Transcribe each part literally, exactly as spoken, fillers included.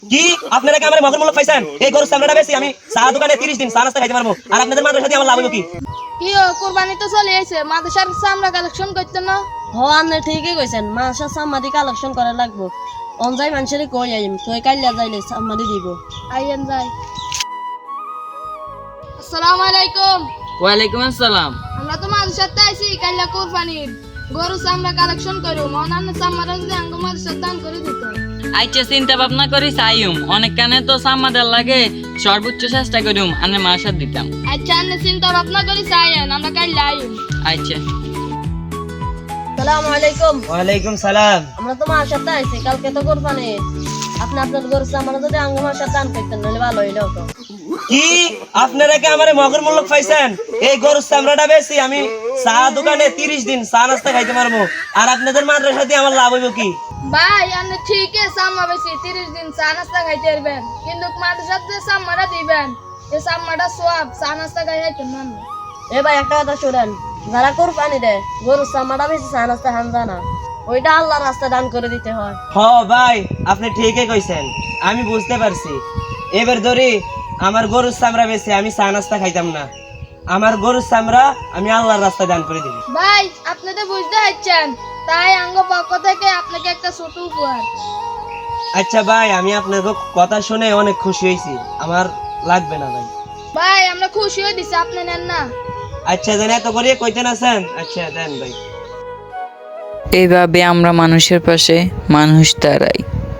কি আপনারা কি আমার মগের মূল্য পাইছেন? এই গরুর চামড়াটা বেশি আমি চা দোকানে তিরিশ দিন চা নাস্তা খাইতে পারবো, আর আপনাদের মাদ্রাসা দিয়ে আমার লাভ হলো কি? কি ও কুরবানি তো চলে এসে মাদ্রাসার চামড়া কালেকশন করতে না? হ আপনি ঠিকই কইছেন, মাসা সামাদি কালেকশন করা লাগবো। অনজাই মানুষের কই আইম তুই কাইলা যাইলে সামাদি দিব। আইয়েন যাই। আসসালামু আলাইকুম। ওয়ালাইকুম আসসালাম। আমরা তো মাদ্রাসাতে আইছি কাইলা কুরবানির গরু চামড়া কালেকশন করু, মনান চামড়া যদি আঙ্গ মাদ্রাসার দান করে দিত। আইচে চিন্তা ভাবনা করি চাইম অনেক কানে তো সামাদের লাগে, সর্বোচ্চ চেষ্টা করিম আনে মাসার দিতাম। আচ্ছা আপনি চিন্তা ভাবনা করি চাইয়েন, আমরা কাইলা আইম। আইচে সালাম আলাইকুম। ওয়ালাইকুম সালাম। আমরা তো মার সাথে আইছি, কালকে তো কোরবানি। আপনি আপনার গরু সামানা যদি আঙ্গ মাসার দান করতেন নাহলে ভালো হইলো তো। কি আপনারা কি আমার মগের মূল্য পাইছেন? এই গরুর চামড়াটা বেশি আমি চা দোকানে তিরিশ দিন চা নাস্তা খাইতে পারবো, আর আপনাদের মাদ্রাসা দিয়ে আমার লাভ হইব কি? ভাই আপনি ঠিকই চামড়া বেশি তিরিশ দিন চা নাস্তা খাইতে পারবেন, কিন্তু মাদ্রাসার যে চামড়া দিবেন এই চামড়াটা সব চা নাস্তা খাই খাইতে না। এ ভাই একটা কথা শুনেন, যারা কোরবানি দেয় গরুর চামড়া বেশি চা নাস্তা খান জানা, ওইটা আল্লাহর রাস্তা দান করে দিতে হয়। হ ভাই আপনি ঠিকই কইছেন, আমি বুঝতে পারছি। এবার ধরি আমার গরুর চামড়া বেশি আমি চা নাস্তা খাইতাম না, আমার গরুর চামড়া আমি আল্লাহর রাস্তা দান করে দিবি। ভাই আপনি তো বুঝতে পারছেন, তাই আঙ্গ পক্ষ থেকে আপনাকে একটা ছোট উপহার। আচ্ছা ভাই আমি আপনার কথা শুনে অনেক খুশি হয়েছি, আমার লাগবে না ভাই। ভাই আমরা খুশি হয়ে দিছি, আপনি নেন না? আচ্ছা দেন, এত করে কইতেন আছেন, আচ্ছা দেন ভাই। এইভাবে আমরা মানুষের পাশে মানুষ দাঁড়াই।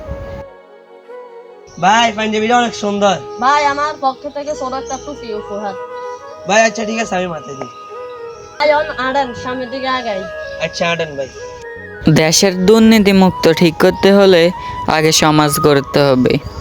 ভাই পাঞ্জাবিটা অনেক সুন্দর। ভাই আমার পক্ষ থেকে ছোট একটা টুপি উপহার। ভাই আচ্ছা ঠিক আছে আমি মাথায় দিই। ভাই অন আড়ান সামনের দিকে আগাই। আচ্ছা আটেন ভাই। দেশের দুর্নীতি মুক্ত ঠিক করতে হলে আগে সমাজ গড়তে হবে।